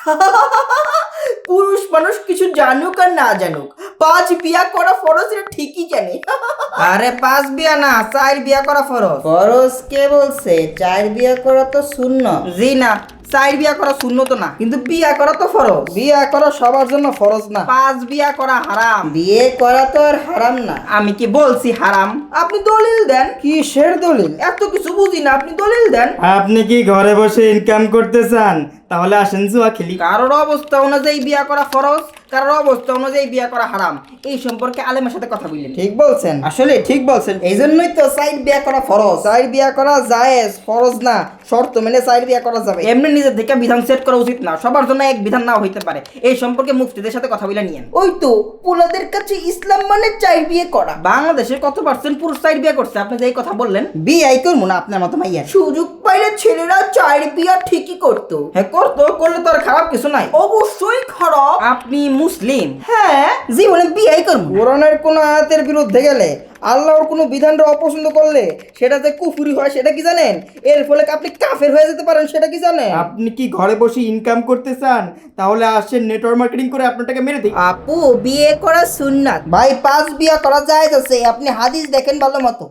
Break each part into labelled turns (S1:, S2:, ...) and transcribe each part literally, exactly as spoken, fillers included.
S1: পুরুষ মানুষ কিছু জানুক আর না জানুক, পাঁচ বিয়া করা ফরজ এটা ঠিকই জানে।
S2: আরে পাঁচ বিয়া না, চার বিয়া করা ফরজ।
S1: ফরজ কে বলছে? চার বিয়া করা তো শূন্য।
S2: জি না, চার বিয়া করা শূন্য তো না, কিন্তু বিয়া করা তো ফরজ।
S1: বিয়া করা সবার জন্য ফরজ না।
S2: পাঁচ বিয়া করা হারাম।
S1: বিয়ে করা তো আর হারাম না।
S2: আমি কি বলছি হারাম? আপনি দলিল দেন।
S1: কিসের দলিল?
S2: এত কিছু বুঝি না, আপনি দলিল দেন।
S3: আপনি কি ঘরে বসে ইনকাম করতে চান? তাহলে আসেন জুয়া খেলি।
S2: কারোর অবস্থা অনুযায়ী বিয়া করা ফরজ, কারোর অবস্থা অনুযায়ী বিয়া করা হারাম। এই সম্পর্কে আলেমের সাথে কথা বললেন।
S1: ঠিক বলছেন,
S2: আসলে ঠিক বলছেন।
S1: এই জন্যই তো সাইড বিয়া করা ফরজ। সাইড বিয়া করা জায়েজ, ফরজ না। শর্ত মেনে সাইড বিয়া করা যাবে।
S2: এমনি নিজের থেকে বিধান সেট করা উচিত না, সবার জন্য এক বিধান নাও হইতে পারে। এই সম্পর্কে মুফতিদের সাথে কথা বলে নিয়েন।
S1: ওই তো পোলাদের কাছে ইসলাম মানে চার বিয়ে করা।
S2: বাংলাদেশে কত পার্সেন্ট পুরুষ চার বিয়া করছে? আপনি যে এই কথা বললেন,
S1: বিয়াই করবো না আপনার মতো মাইয়া। সুযোগ পাইলে ছেলেরা চার বিয়া ঠিকই করতো।
S2: হ্যাঁ করতো, করলে তো আর খারাপ কিছু নাই।
S1: অবশ্যই খারাপ।
S2: আপনি মুসলিম?
S1: হ্যাঁ,
S2: জীবনে বিয়াই করবো।
S1: কোরআনের কোন আয়াতের বিরুদ্ধে গেলে, আল্লাহর কোনো বিধানটা অপছন্দ করলে সেটা যে কুফরি হয় সেটা কি জানেন? এর ফলে আপনি কাফের হয়ে যেতে পারেন, সেটা কি জানেন?
S3: আপনি কি ঘরে বসে ইনকাম করতে চান? তাহলে আসেন নেটওয়ার্ক মার্কেটিং করে আপনারটাকে মেরে দিই।
S1: আপু, বিয়ে করা সুন্নাত। ভাই, পাঁচ বিয়া করা যায় আছে, আপনি হাদিস দেখেন ভালো মতো।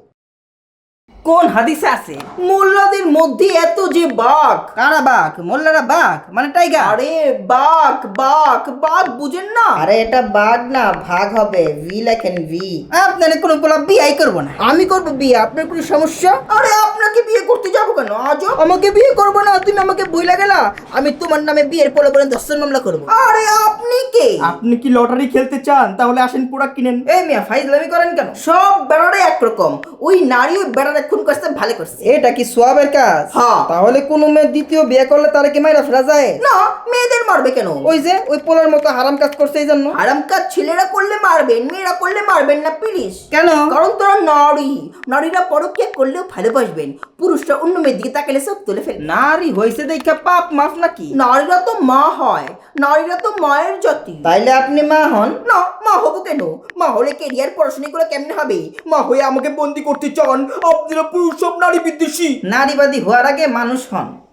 S2: কোন হাদিসে আছে?
S1: মোল্লাদের মধ্যে এত যে বাঘ।
S2: কারা বাঘ? মোল্লারা বাঘ মানে টাইগার?
S1: আরে বাঘ, বাঘ, বাঘ বুঝেন না? আরে এটা বাঘ না, ভাগ হবে। ভি লেখেন, ভি।
S2: আপনার কোনো পোলা বিয়াই করবো না।
S1: আমি করবো বিয়ে, আপনার কোনো সমস্যা? আরে আপনাকে বিয়ে করতে যাবো কেন? আজও আমাকে বিয়ে করবো না, তুমি আমাকে বইলা গেলা। আমি তোমার নামে বিয়ের পরে বলে দর্শন মামলা করবো। আরে আপনি কে?
S3: আপনি কি লটারি খেলতে চান? তাহলে আসেন প্রোডাক্ট কিনেন।
S2: এই মিয়া ফাইজলামি করেন কেন?
S1: সব বেড়ারে একরকম। ওই নারী ওই বেড়ারে খুন করতে ভালো করছে। এটা কি সোয়াবের কাজ?
S2: হ্যাঁ।
S1: তাহলে কোনো মেয়ে দ্বিতীয় বিয়ে করলে তারা কি মাইরা ফেলা যায়? না, মেয়েদের মারবে কেন? ওই যে ওই পোলার মতো হারাম কাজ করছে এই জন্য। হারাম কাজ ছেলেরা করলে মারবেন, মেয়েরা করলে মারবেন না প্লিজ।
S2: কেন?
S1: কারণ তোরা নারী, নারীরা পরকীয়া করলেও ভালোবাসবেন, পুরুষরা অন্য মেয়ের দিকে তাকালে সব তুলে ফেলে।
S2: নারী হয়েছে দেখা পাপ মাফ নাকি?
S1: নারীরা তো মা হয়, নারীরা তো মায়ের জাতি। তাইলে আপনি মা হন না? মা হবো কেন? মা হলে কেরিয়ার পড়াশোনা করে কেমনে হবে? মা হয়ে আমাকে বন্দি করতে চান? আপনারা পুরুষ সব নারী বিদ্বেষী।
S2: নারীবাদী হওয়ার আগে মানুষ হন।